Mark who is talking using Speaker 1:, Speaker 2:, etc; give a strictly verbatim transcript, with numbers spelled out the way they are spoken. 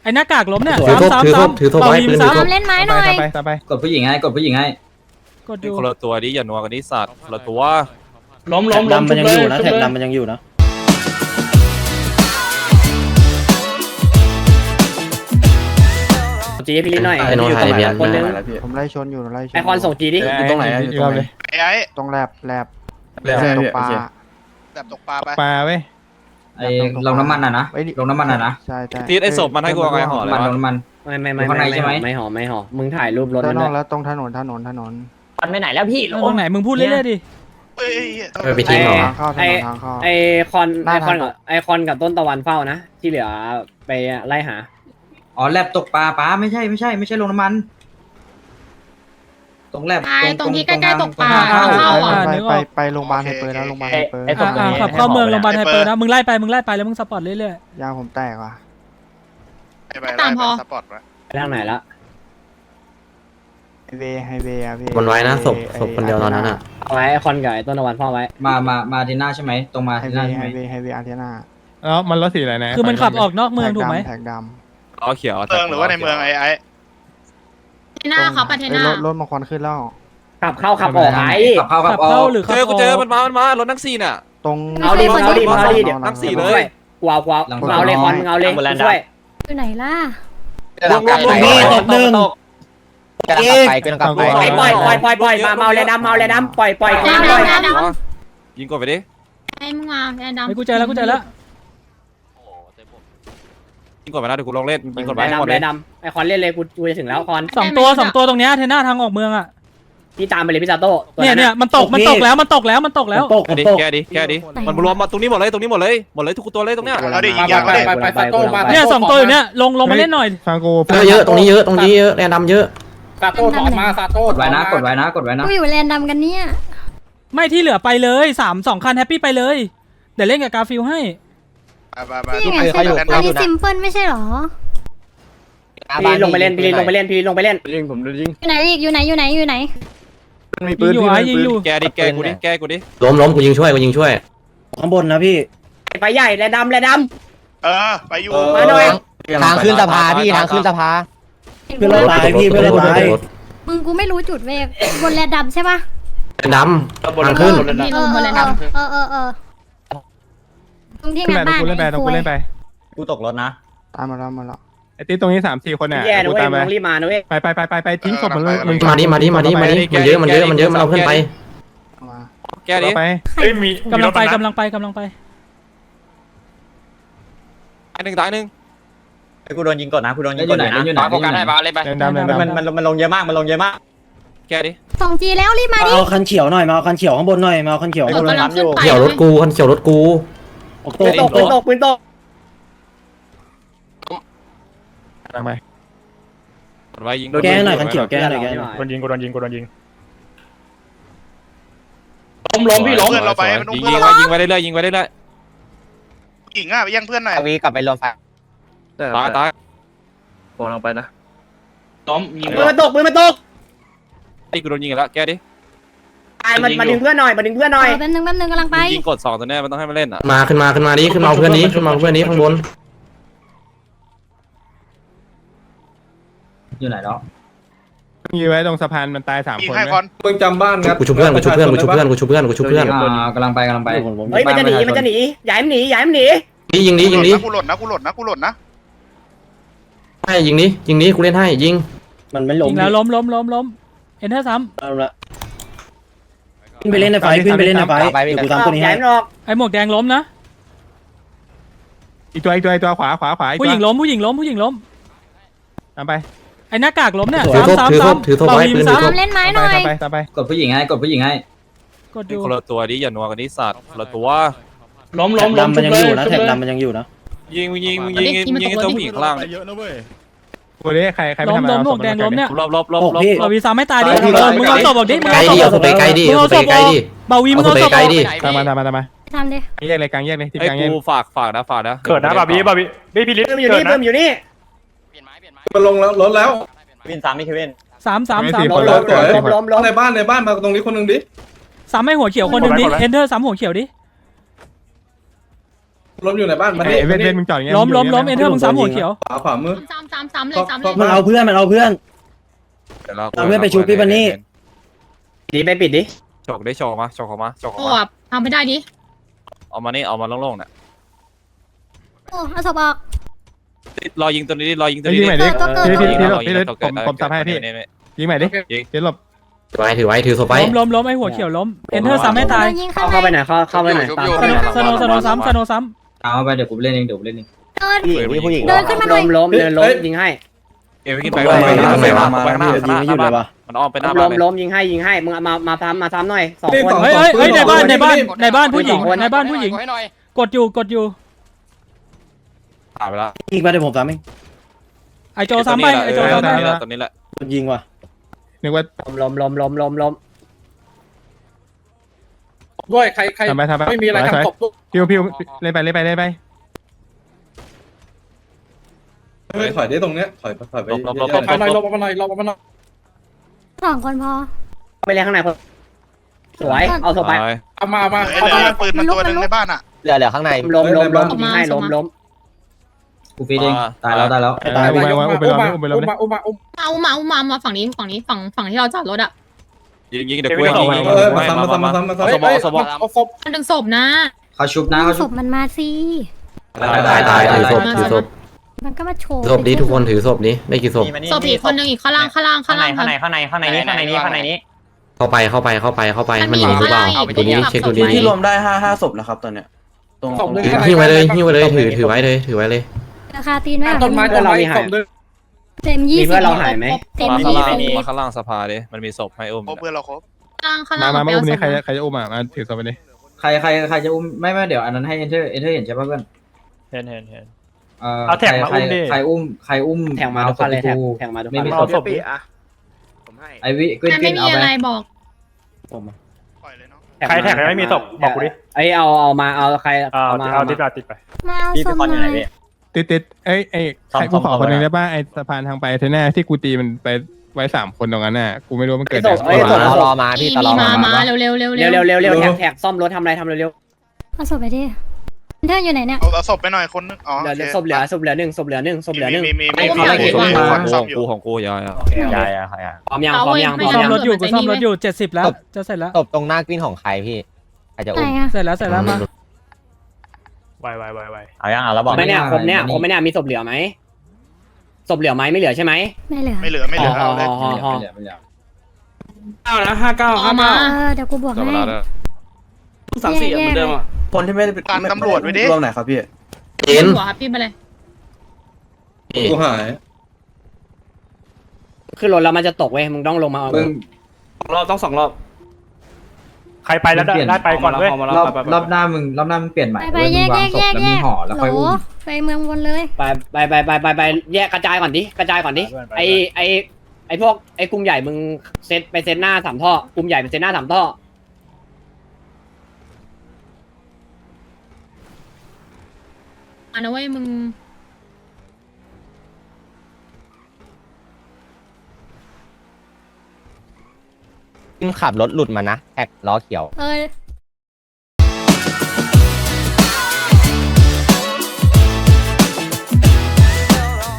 Speaker 1: ไอ้หน้ากากล้มเนี่ย
Speaker 2: ถือ
Speaker 1: ซ้ำ
Speaker 2: ถือ
Speaker 1: ซ้ำ
Speaker 2: ถือ
Speaker 1: ซ้ำ
Speaker 2: ถือไว้ปืนถือ
Speaker 3: ซ้ำเล่นไม้หน่อย
Speaker 4: ไปตามไป
Speaker 5: กดผู้หญิงไงกดผู้หญิงไง
Speaker 1: กดอยู่
Speaker 6: คนละตัวดิอย่านัวกันนี่สัตว์คนละตัว
Speaker 4: ล้มล้มล้มมันยังอยู่นะแท็กดำมันยังอยู่นะ
Speaker 7: จีพี่ลิหน่อย
Speaker 2: ไอ้โน้ตถ่ายเบียร์
Speaker 7: คนนึง
Speaker 8: ผมไล่ชนอยู่ไล่ชน
Speaker 7: ไอคอนส่งจีดิ
Speaker 4: อยู่ตรงไหนอยู่ตรงไหน
Speaker 9: ไอ้ไอ้
Speaker 8: ตรงแลบแลบ
Speaker 4: แลบ
Speaker 8: ตกปลา
Speaker 9: แบบตกปลาไป
Speaker 4: ปลาเว้ย
Speaker 5: ไอ้ลงน้ำมันอ่ะนะลงน้ำมันอ่ะนะ
Speaker 8: ใช่ใช่
Speaker 6: ตีไอ้ศพมันให้กูเอาไงห่อเล
Speaker 5: มัน
Speaker 6: ยวะ
Speaker 5: ลงน้ำมัน
Speaker 7: ไม่ไม่ไม่
Speaker 5: อยู่ข้างในใช่ไหม
Speaker 7: ไม่หอมไม่หอมมึงถ่ายรูปรถ
Speaker 8: ด้า
Speaker 7: มัน น
Speaker 8: น
Speaker 7: ด้
Speaker 8: อ
Speaker 7: ว
Speaker 8: ก
Speaker 7: ย
Speaker 8: แล้วตรงถนนถนนถนน
Speaker 7: มันไปไหนแล้วพี่
Speaker 1: ตรงไหนมึงพูดเรื่อยๆดิ
Speaker 9: เฮ้ย
Speaker 2: เออไปทิ้งเหรอ
Speaker 8: ทางเข้าถนนทางเข้า
Speaker 7: ไอคอนไอคอนกับไอคอนกับต้นตะวันเฝ้านะที่เหลือไปไล่หา
Speaker 5: อ๋อแลบตกปลาปลาไม่ใช่ไม่ใช่ไม่ใช่ลงน้ำมัน ตรงแลบ
Speaker 3: ไอ้ตรงที่ใกล้ๆตกปลา
Speaker 1: อ่า
Speaker 3: เข้าอ่ะ
Speaker 8: ไปไปไปโรงพยาบาลไฮเปอร์แล้วโรงพยาบาลไฮเปอร์
Speaker 1: อ่าอ่าขับเข้าเมืองโรงพยาบาลไฮเปอร์นะมึงไล่ไปมึงไล่ไปแล้วมึงสปอร์ตเรื่อย
Speaker 8: ยางผมแตกว่ะ
Speaker 9: ไปตามพอสปอร์ตวะ
Speaker 7: ไปทางไหนละ
Speaker 8: ไฮเวย์ไฮเวย์อะพี่
Speaker 2: มันไว้นะศพศพคนเดียวตอนนั้นอ่ะ
Speaker 7: เอาไว้ไอคอนกับไอต้นตะวันเฝ้าไว้
Speaker 5: มามามาทีหน้าใช่ไหมตรงมา
Speaker 8: ไฮ
Speaker 5: ทีห
Speaker 8: เว
Speaker 5: น้า
Speaker 8: ย์
Speaker 5: ใช่
Speaker 8: ไฮ
Speaker 5: ไหม
Speaker 8: เวย์ไฮเวย์อาร์เทน่า
Speaker 4: แล้วมันรถสีอะไรนะ
Speaker 1: ๆ คือมันขับออกนอกเมืองถูกไหม
Speaker 8: แท็กด
Speaker 6: ล้อเขียว
Speaker 9: เมืองหรือว่าในเมืองไอ้ไอ้
Speaker 3: เทน่าเขาปะ
Speaker 8: ำ
Speaker 3: เท
Speaker 8: เอ้ย
Speaker 3: น่าร
Speaker 8: ถรถมาควันขึ้นแล้ว
Speaker 7: ขับเข้าขับออกไง
Speaker 5: ขับเข้าขั
Speaker 1: ขั
Speaker 5: บบ ออ
Speaker 1: เข้าก หรือขั
Speaker 6: เจ
Speaker 1: บ
Speaker 6: อ
Speaker 1: อ
Speaker 6: กู
Speaker 1: อก
Speaker 6: เจอมันมามันมารถนักซีน่ะ
Speaker 8: ตรง
Speaker 7: เอาดิมึงเอาดิมึงเอาดิเดี๋ยว
Speaker 6: นั่งสี่เลย
Speaker 7: ช่วยกวาวกวาวกวาวเลยคอนมึงเอาเลยช่วย
Speaker 3: อยู่ไหนล่ะ
Speaker 6: ลงลงลง
Speaker 4: นี่ตกหนึ่ง
Speaker 7: ปล่อยปล่อยปล่อยปล่อยปล่อยมาเมาเลยดำเมาเลยดำปล่อยปล่อยปล่อยปล่อย
Speaker 6: ยิงกดไปดิ
Speaker 3: ไอ้มึงมาแอนดำ
Speaker 1: ไอ้กูใจแล้วกูใจแล้ว
Speaker 6: ยิงกดไปนะเดี๋ยวกูลองเล่นยิงกดไป
Speaker 7: ไอ้
Speaker 6: ให้หมด
Speaker 7: ดำ
Speaker 6: เล
Speaker 7: ไอ้
Speaker 6: ย
Speaker 7: ดำไอ้คอนเล่นเลยกูกูจะถึงแล้วคอน
Speaker 1: สองตัวสองตัวตรงเนี้ยเทน่าทางออกเมืองอ่ะ
Speaker 7: พี่ตามไปเลยพี่ซาโต้
Speaker 1: เนี่ยเนี่ยมันตกมันตกแล้วมันตกแล้วมันตกแล้ว
Speaker 4: ตก
Speaker 6: แกดิแกดิแกดิมันรวมมาตรงนี้หมดเลยตรงนี้หมดเลยหมดเลยทุกตัวเลยตรงเนี้ย
Speaker 9: เอาดิยิงยางก็ได้
Speaker 7: ไปซาโต้มา
Speaker 1: เนี่ยสองตัวอยู่เนี่ยลงลงมาเล่นหน่อย
Speaker 4: ฟังกู
Speaker 2: เยอะเยอะตรงนี้เยอะตรงนี้เยอะแรงดำเยอะ
Speaker 7: ซาโต้ถอนมาซาโต้
Speaker 5: กดไว้นะกดไว้นะกดไว้นะ
Speaker 3: กูอยู่แลนดำกันเนี่ย
Speaker 1: ไม่ที่เหลือไปเลยสามสองคันแฮปปี้ไปเลยเดี๋ยวเล่นกับกาฟิลให้
Speaker 9: ไปไป
Speaker 3: นี่ไงเส้นอันนี้ซิมเพิลไม่ใช่หรอ
Speaker 7: พี่ลงไปเล่นพี่ลงไปเล่นพี่ลงไปเล่น
Speaker 4: ยิงผมโดนยิง
Speaker 3: อยู่ไหนอีกอยู่ไหนอยู่ไหนอยู่ไหน
Speaker 4: มี
Speaker 1: ยิ
Speaker 4: ปื
Speaker 1: ง
Speaker 4: น
Speaker 1: อยู่
Speaker 4: พี่
Speaker 1: ไอ้ยิงอยู่
Speaker 6: แกดิแกกูดิแกกูดิ
Speaker 2: ล้มล้มกูยิงช่วยกูยิงช่วย
Speaker 4: ข้างบนนะพี่
Speaker 7: ไปใหญ่แลดำแลด
Speaker 9: เออไปอยู่
Speaker 7: ำมาหน่อย
Speaker 4: ทางขึ้นสะพานพี่ทางขึ้นสะพาน
Speaker 8: เพื่อนเราตายพี่เพื่อนเราตาย
Speaker 3: มึงกูไม่รู้จุดเวกบนแลนดำใช่ปะ
Speaker 2: แรงดำทางขึ้น
Speaker 3: เออเออเออเออเออตรงที่
Speaker 4: ขึ้น
Speaker 3: งาน
Speaker 4: ไปตรง
Speaker 3: บ้าน
Speaker 4: กูเล่นไปตรงกูเล่นไป
Speaker 5: กูตกรถนะ
Speaker 8: ตามมาแล้วมาแล้ว
Speaker 4: ไอ้ติ๊ตรงนี้สามสี่คนเนี่ย
Speaker 7: แย่นะ
Speaker 4: กู
Speaker 7: เว้ย
Speaker 4: ตามไป
Speaker 7: มึงรีบมานะเว้ย
Speaker 4: ไปไปไปไปไปทิ้งศพมันเลยมึง
Speaker 2: มาดิมาดิมาดิมาดิมันเยอะมันเยอะมันเยอะมันเอาเพื่อนไป
Speaker 8: มา
Speaker 6: แกดิ
Speaker 4: ไป
Speaker 1: กำลังไปกำลังไปกำลังไป
Speaker 6: ตายหนึ่งตายหนึ่ง
Speaker 5: กูโดนยิงก่อนนะกูโดนยิงก่อนนะอยู่ไหนอยู่ไหน
Speaker 4: แรงดำแรงดำ
Speaker 5: มันมันมันลงเยอะมากมันลงเยอะมาก
Speaker 6: แกดิ
Speaker 3: ส่งจีแล้วรีบมาดิ
Speaker 4: เอาคันเขียวหน่อยมาเอาคันเขียวข้างบนหน่อยมาเอาคันเขียว
Speaker 3: กำลังขึ้นไป
Speaker 2: เขียวรถกูคันเขียวรถกู
Speaker 7: ปืนตกปืนตกปืนตก
Speaker 4: ทางไป
Speaker 6: กดไว้ยิง
Speaker 4: แก้หน่อยคันเขียวแก้หน่อยแก้
Speaker 7: หน่อย
Speaker 4: โดนยิงกูโดนยิงกูโดนยิง
Speaker 6: ล้มล้มพี่ล้มยิงยิงไว้ยิงไว้เรื่อยยิงไว้เรื่อย
Speaker 9: หญิงอ่ะไปยังเพื่อนหน่อย
Speaker 7: วีกลับไปรวมไฟ
Speaker 6: ตายตาย
Speaker 4: โผล่ลงไปนะ
Speaker 6: ล้มยิง
Speaker 7: ปืนมันตกปืนมันตก
Speaker 6: ไอ้กูโดนยิงแล้วแกดิ
Speaker 7: ตายมันมาดึงเพื่อนหน่อยมาดึงเพื่อนหน่อย
Speaker 3: แป๊บนึงแป๊บนึงกำลังไป
Speaker 6: ยิงกดสองตัวเนี้ยมันต้องให้มันเล่นอ่ะ
Speaker 2: มาขึ้นมาขึ้นมาดิขึ้นมาเพื่อนนี้ขึ้นมาเพื่อนนี้ข้างบน
Speaker 5: อยู่ไหนแล้ว
Speaker 4: ยิงไว้ตรงสะพานมันตายสาม
Speaker 9: ยิง
Speaker 4: คน
Speaker 9: ให้
Speaker 4: ไห
Speaker 9: ค
Speaker 4: ม
Speaker 9: อน
Speaker 10: มึงจำบ้านครับ
Speaker 2: กูชุบเพื่อนกูชุบเพื่อนกูชุบเพื่อนกูชุบเพื่อนกูชุบเพื่อนกูชุบเพื่อน
Speaker 5: อ่ากำลังไปกำลังไป
Speaker 7: เฮ้ยมันจะหนีมันจะหนีอย่าให้มันหนีอย่าให้มันหนี
Speaker 2: นี่ยิงนี้ยิงนี้
Speaker 9: กูหล่นนะกูหล่นนะกูหล่นนะ
Speaker 2: ให้ยิงนี้ยิงนี้กูเล่นให้ยิง
Speaker 4: มันไม่ล้ม
Speaker 1: ยิงแล้วล้มล้มล้มล้มเอ็นเทอร์ซ้
Speaker 4: เอาละขึ้นไปเล่นในไฟขึ้นไปเล่นในไฟเดี๋ยวกูทำตัวนี้
Speaker 7: อย่า
Speaker 4: ให้
Speaker 7: ให้มันออก
Speaker 1: ำไอ้หมวกแดงล้มนะ
Speaker 4: อีกตัวอีกตัวอีกตัวขวาขวาขวา
Speaker 1: ผู้หญิงล้มผู้หญิงล้มผู้หญิงล้ม
Speaker 4: ตามไป
Speaker 1: ไอ้หน้ากากล้มเนี่ย
Speaker 2: ถือ
Speaker 1: ซ้ำ
Speaker 2: ทบถือ
Speaker 1: ซ้ำ
Speaker 2: ทบถือทบ
Speaker 1: ซ้ำ
Speaker 2: ไว้
Speaker 1: เบา
Speaker 2: ปื
Speaker 1: ยิ
Speaker 2: น
Speaker 1: ง
Speaker 2: ถือท
Speaker 1: ซ้
Speaker 2: บ
Speaker 3: เล่นไม้ห
Speaker 4: ตาม
Speaker 3: น่อย
Speaker 4: ไปตามไป
Speaker 5: กดผู้หญิงไงกดผู้หญิงไง
Speaker 1: ำกดอยู่
Speaker 6: คนละตัวดิอย่านัวกันนี่สัตว์คนละตัว
Speaker 4: ล้มล้มดำมันยังอยู่นะแท็กดำมันยังอยู่นะ
Speaker 6: ยิงยิงยิงยิงตัวผู้หญิงข้างล่าง
Speaker 4: กูได้ใครใครไม่
Speaker 1: ล้ม
Speaker 4: ทำ
Speaker 1: ล้มหมวกแดงล้มเนี่ย
Speaker 6: ลบลบลบลบ
Speaker 1: เบาวีซ้ำไม่ตายดิเออมึงเอาศพออกดิมึง
Speaker 2: ไกล
Speaker 1: เอาศ
Speaker 2: ดิ
Speaker 1: พ
Speaker 2: เอาศพไปไกลดิ
Speaker 1: มึง
Speaker 2: เอา
Speaker 1: เอา
Speaker 2: ศ
Speaker 1: ศ
Speaker 2: พ
Speaker 1: พ
Speaker 2: ไปไกล
Speaker 1: ออก
Speaker 2: ดิ
Speaker 1: เบาวีมึ
Speaker 2: เอา
Speaker 1: ง
Speaker 2: ศพ
Speaker 1: เอา
Speaker 2: ไป
Speaker 1: ศพ
Speaker 2: ไกล
Speaker 1: ออก
Speaker 2: ดิ
Speaker 4: ตามมาตามมาตามมา
Speaker 3: ทำดิ
Speaker 4: แยกเลยกลางแยกเลยที่
Speaker 6: ไอ้
Speaker 4: กลางแยก
Speaker 6: กูฝากฝากนะฝากนะ
Speaker 4: เกิดนะบาบี้บาบี้บี้พี่ลิศ
Speaker 7: ปืนอยู่นี่ปืนอยู่นี่
Speaker 10: มันลงแล้วรถแล้ว
Speaker 5: วินสามไม่เควิน
Speaker 1: สามสามสาม
Speaker 7: ล้มล้มล้มล้มล้ม
Speaker 10: ในบ้านในบ้านมาตรงนี้คนหนึ่งดิ
Speaker 1: สามให้หัวเขียวคนหนึ่งดิเอนเทอร์สามหัวเขียวดิ
Speaker 10: รถอยู่ในบ้านมา
Speaker 4: เว้นเว้นมึงจอดอย่างเงี้ย
Speaker 1: ล้มล้มล้มเอนเทอร์มึงสามหัวเขียว
Speaker 10: ขวาขวามือ
Speaker 3: ซ้ำซ้ำซ้ำเลยซ้ำเลย
Speaker 4: มันเอาเพื่อนมันเอาเพื่อน
Speaker 6: เดี๋ยวเรา
Speaker 4: เอาเพื่อนไปชูพี่บันนี่
Speaker 7: ดีไปปิดดิ
Speaker 6: โฉกได้โฉกมาโฉกเขามาโฉก
Speaker 3: โอ้
Speaker 6: เขามา
Speaker 3: ทำไม่ได้ดิ
Speaker 6: เอามานี่เอามาโล่งๆเนี่ย
Speaker 3: โอ้เอาศพออก
Speaker 6: รอยิงตัวนี้ดิรอยิงตัวนี้
Speaker 11: ยิงใหม่ดิ
Speaker 3: เกิดเกิด
Speaker 11: พี่
Speaker 3: เกิด
Speaker 11: พี่พี่พี่พี่ผมผมจับให้พี่ยิงใหม่ดิยิงหลบ
Speaker 2: ถือไว้ถือไว้ถือศพไว้
Speaker 1: ล้มล้มล้มไอ้หัวเขียวล้มเอนเทอร์ซ้ำให้ตาย
Speaker 3: โดนยิง
Speaker 7: เข้า
Speaker 3: ข้างใน
Speaker 7: เข้าไปไหนเข้าเข้าไปไหนตาม
Speaker 1: สโนสโนซ้ำสโนซ้
Speaker 5: เอาไปเดี๋ยวกูเล่นเองเดี๋ยวกูเล่นเอง
Speaker 3: เดิน
Speaker 7: ผู้หญิง
Speaker 3: เดินขึ้นมาหน่
Speaker 7: ล้
Speaker 3: อย
Speaker 7: มล้มเดินล้มยิงให้
Speaker 6: เอวขึ้นไปไปไปไปข้างหน้า
Speaker 4: ยิงไม่หยุดเลยว่ะ
Speaker 6: มันอ้อมไปหน้า
Speaker 7: ล้
Speaker 6: บ้าน
Speaker 7: ม
Speaker 6: เลย
Speaker 7: ล้มยิงให้ยิงให้มึงมามาซ้ำมาซ้ำหน่อยสองคน
Speaker 1: ำเฮ้ยเฮ้ยเฮ้ยในบ้านในบ้านในบ้านผู้หญิงในบ้านผู้หญิงกดอยู่กดอยู่
Speaker 6: ผ่านไปแล้ว
Speaker 4: ยิงไปเดี๋ยวผมซ้ำเอง
Speaker 1: ไอโจซ้ำไปไอโจซ้ำไป
Speaker 6: ตัวนี้แหละตัวนี้แหละ
Speaker 4: มันยิงว่ะ
Speaker 11: นึกว่า
Speaker 7: ล้มล้มล้มล้มล้ม
Speaker 10: ด้วยใครใคร
Speaker 11: ทำไปทำไป
Speaker 10: ไม่มีอะไร
Speaker 11: สวย
Speaker 10: ทำศพ
Speaker 11: พิวพิวเล่นไปเล่นไปเล่นไป
Speaker 10: เฮ้ยถอยได้ตรงเนี้ยถอยถอยไป
Speaker 6: ลบลบลบ
Speaker 10: ถอยหน่อยลบมาหน่อยลบมาหน่อย
Speaker 3: สองคนพอ
Speaker 7: ไปเล่นข้างในคนสวยเอาศพไป
Speaker 10: เอามามา
Speaker 9: เฮ้ยเหลือปืนมันตัวหนึงในบ้านอ่ะ
Speaker 7: เหลือเหลือข้างในล้มล้มล้มยิงให้ล้มล้ม
Speaker 5: กูฟีดเองตายแล้วตายแล้ว
Speaker 11: ตายอุ้มไปอุ้มไปลงอุ้มไปลงเลย
Speaker 10: มาอุ้มมาอุ้ม
Speaker 3: เอามาเอามามาฝั่งนี้ฝั่งนี้ฝั่งฝั่งที่เราจอดรถอ่ะ
Speaker 6: ยิงยิงเดี๋ยวกูยิงยิง
Speaker 10: เออมาซ้ำมาซ้ำมาซ้ำมาซ้ำ
Speaker 6: สบอสบอ
Speaker 10: เอาศพ
Speaker 3: มันดึงศพนะ
Speaker 5: เขาชุบนะเขา
Speaker 3: ศ
Speaker 5: ชุบ
Speaker 3: พมันมาสิ
Speaker 2: ตายตายตายถือศพถือศพ
Speaker 3: มันก็มาโชว์
Speaker 2: ศพนี้ทุกคนถือศพนี้ได้กี่ศพ
Speaker 3: ศพอีกคนหนึ่งอีกข้างล่างข้างล่างข้างล่าง
Speaker 5: ข้างในข้างในข้างในนี้ข้างในนี้ข้างในนี้
Speaker 2: เข้าไปเข้าไปเข้าไปเข้าไปมันหนีหรือเปล่าตัวนี้เช็คตัวนี้
Speaker 5: ที่รวมได้ห้าห้าศพแล้วครับตอนเนี้ยตรง
Speaker 10: ศพหนึ่ง
Speaker 2: ถือหิ้วไว้เลยหิ้วไว้เลยถือถือไว้เลยถือไว้เลย
Speaker 3: ราคาตีนมาก
Speaker 10: ต้นไม้ต้นไม้ศพหนึ่ง
Speaker 3: เต็มยี่สิบ
Speaker 7: มีเพื่อนเราหายไหม
Speaker 3: เต็ม
Speaker 6: มา
Speaker 3: ยี่
Speaker 6: ข้างล่าง
Speaker 3: สิบ
Speaker 6: มาข้างล่างสภาดิมันมีศพให้อุ้ม
Speaker 9: โอ้เพื่อนเราครบ
Speaker 3: ข้างล่างข้าง
Speaker 11: มา
Speaker 3: ล่าง
Speaker 11: มามาอุ้ม
Speaker 3: เา
Speaker 11: นี่ใคร
Speaker 3: ศพ
Speaker 11: ใครจะอุ้มอ่ะมาถือศพไปดิ
Speaker 5: ใครใครใครจะอุ้มไม่ไม่เดี๋ยวอันนั้นให้เอนเตอร์เอนเตอร์เห็นใช่ป่ะเพื่อน
Speaker 6: เห็นเห็นเห็น
Speaker 5: เอาแท็กมาอุ้มดิใครอุ้มใครอุ้ม
Speaker 7: แทงมาทุกคนเลยแทงแทงมาทุกคน
Speaker 5: ไม่มี
Speaker 7: เลย
Speaker 5: ศพไอวิกวิน
Speaker 3: มัน
Speaker 5: กิ
Speaker 3: ไม่
Speaker 5: น
Speaker 3: มี
Speaker 5: เอาไป
Speaker 3: อะไรบอก
Speaker 9: ปล่อยเลยเนาะ
Speaker 7: ใครแท็กไม่มีศพบอกกูดิไอเอาเอามาเอาใครเอามาเอาติดติดไป
Speaker 3: มาเอาศพหน่อย
Speaker 11: ติดติดเอ้ยไอ้ใครกูขอคนนึงได้ป่ะไอ้สะพานทางไปเทน่าที่กูตีมันไปไว้สามคนตรงนั้นน่ะกูไม่รู้มันเกิด
Speaker 7: ศพไอศพรอมาพี่ตลอด
Speaker 3: มามาเร็วเร็วเร็ว
Speaker 7: เร็วเร็วเร็วเร็วแท็กแท็กซ่อมรถทำอะไรทำเร็ว
Speaker 3: เอาศพไปดิเธออยู่ไหนเนี่ย
Speaker 9: เอาเอาศพไปหน่อยคนนึงอ๋อ
Speaker 7: เหลือศพเหลือศพเหลือหนึ่งศพเหลือหนึ่งศพเหลือหนึ่ง
Speaker 9: มีมีมี
Speaker 3: เอา
Speaker 9: มี
Speaker 3: เอา
Speaker 9: มี
Speaker 3: เอา
Speaker 9: คนซ่อมอยู่
Speaker 6: กูของกูยาย
Speaker 5: ยายอะใครอะ
Speaker 7: พร้อมยังพร้อมยังพ
Speaker 1: กู
Speaker 7: ร้อม
Speaker 1: ซ่อม
Speaker 7: ยัง
Speaker 1: รถอยู่กูซ่อมรถอยู่เจ็ดสิบแล้วจะเสร็จแล้ว
Speaker 5: ตบตรงหน้ากวินของใครพี่ใครจะ
Speaker 3: ไหน
Speaker 5: อุ้ม
Speaker 3: อะ
Speaker 1: เสร็จแล้วเสร็จแล้วมา
Speaker 6: ไวไวไวไว
Speaker 5: เอายังอ่ะแล้วบอก
Speaker 7: ไม่เนี่ยครบเนี่ยครบไม่เนี่ยมีศพเหลือไหมศพเหลือไหมไม่เหลือใช่ไหม
Speaker 3: ไม่เหลือ
Speaker 9: ไม่เหลือไม่เหลือเอาเลย
Speaker 7: ห่อห่อ
Speaker 5: ไม่เหลือ
Speaker 10: เก้านะห้าเก้า
Speaker 3: เอามาเออเดี๋ยวกูบวก
Speaker 6: จับ
Speaker 3: ให้
Speaker 6: เวลาได้
Speaker 10: สามสี่เหมือนเดิมอ่ะ
Speaker 5: คนที่ไม่ได้เป็น
Speaker 9: การตำรวจไว้ดิ
Speaker 5: รวมไหนครับพี่
Speaker 2: เอ็น
Speaker 3: หัวพี่ไปเลย
Speaker 10: กูหาย
Speaker 7: ขึ้นรถแล้วมันจะตกเว้ยมึงต้องลงมาเอา
Speaker 5: มึง
Speaker 10: รอบต้องสองรอบ
Speaker 5: ใครไปแล้วได้ไปก่อนเว้ยรอบรอบหน้ามึงรอบหน้ามึงเปลี่ยนใหม่
Speaker 3: ไปไป
Speaker 5: เว้ย
Speaker 3: แย
Speaker 5: มึง
Speaker 3: ก
Speaker 5: วา
Speaker 3: แย
Speaker 5: ง
Speaker 3: ก
Speaker 5: ศ
Speaker 3: แย
Speaker 5: พ
Speaker 3: ก แยก
Speaker 5: แล้วมึงห่อแล้ว
Speaker 3: โห
Speaker 5: ค่อยอุ้ม
Speaker 3: ไปเมืองวนเลย
Speaker 7: ไปไปไปไปไปไปแยกกระจายก่อนดิกระจายก่อนดิไอไอไอพวกไอกลุ่มใหญ่มึงเซตไปเซตหน้าสามท่อกลุ่มใหญ่ไปเซตหน้าสามท่อ
Speaker 3: อ่ะนะเว้ยมึง
Speaker 5: ขับรถหลุดมานะแท็กล้อเขียว
Speaker 3: เออ